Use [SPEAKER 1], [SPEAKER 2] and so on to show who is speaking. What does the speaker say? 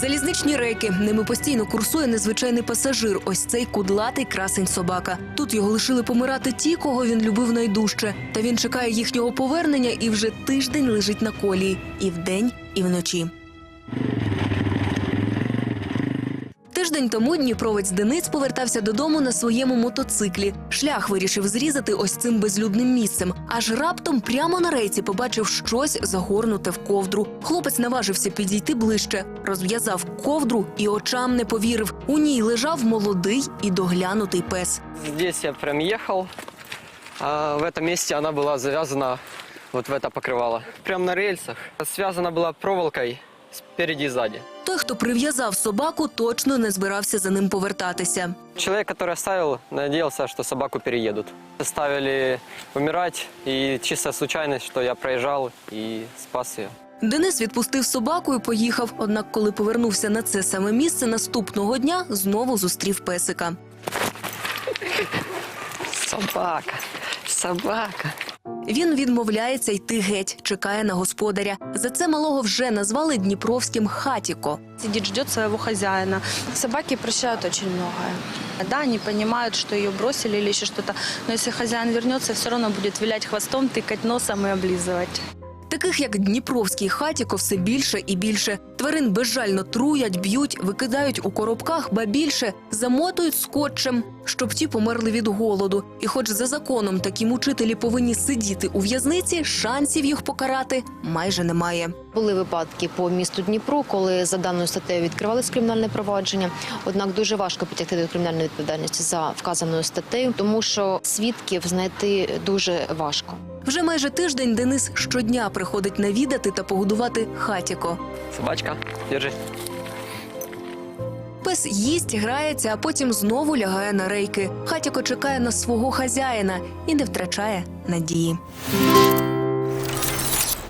[SPEAKER 1] Залізничні рейки. Ними постійно курсує незвичайний пасажир. Ось цей кудлатий красень-собака. Тут його лишили помирати ті, кого він любив найдужче. Та він чекає їхнього повернення і вже тиждень лежить на колії. І вдень, і вночі. Тиждень тому дніпровець Денис повертався додому на своєму мотоциклі. Шлях вирішив зрізати ось цим безлюдним місцем. Аж раптом прямо на рейці побачив щось загорнуте в ковдру. Хлопець наважився підійти ближче. Розв'язав ковдру і очам не повірив. У ній лежав молодий і доглянутий пес.
[SPEAKER 2] Здесь я прям ехал, а в этом месте она была завязана вот в это покрывало. Прям на рельсах. Связана была проволокой спереди и сзади.
[SPEAKER 1] Той, хто прив'язав собаку, точно не збирався за ним повертатися.
[SPEAKER 2] Человек, который оставил, надеялся, что собаку переедут. Оставили умирать, и чистая случайность, что я проезжал и спас ее.
[SPEAKER 1] Денис відпустив собаку і поїхав. Однак, коли повернувся на це саме місце, наступного дня знову зустрів песика.
[SPEAKER 2] Собака, собака.
[SPEAKER 1] Він відмовляється йти геть, чекає на господаря. За це малого вже назвали дніпровським «Хатіко».
[SPEAKER 3] Сидит, ждет своего хозяина. Собаки прощают очень многое. Да, они понимают, что ее бросили или еще что-то, но если хозяин вернется, все равно будет вилять хвостом, тыкать носом и облизывать.
[SPEAKER 1] Таких, як дніпровський «Хатіко», все більше і більше. Тварин безжально труять, б'ють, викидають у коробках, ба більше замотують скотчем, щоб ті померли від голоду. І хоч за законом такі мучителі повинні сидіти у в'язниці, шансів їх покарати майже немає.
[SPEAKER 4] Були випадки по місту Дніпру, коли за даною статтею відкривалось кримінальне провадження. Однак дуже важко притягти до кримінальної відповідальності за вказаною статтею, тому що свідків знайти дуже важко.
[SPEAKER 1] Вже майже тиждень Денис щодня приходить навідати та погодувати «Хатіко».
[SPEAKER 2] Собачка, держи.
[SPEAKER 1] Пес їсть, грається, а потім знову лягає на рейки. «Хатіко» чекає на свого хазяїна і не втрачає надії.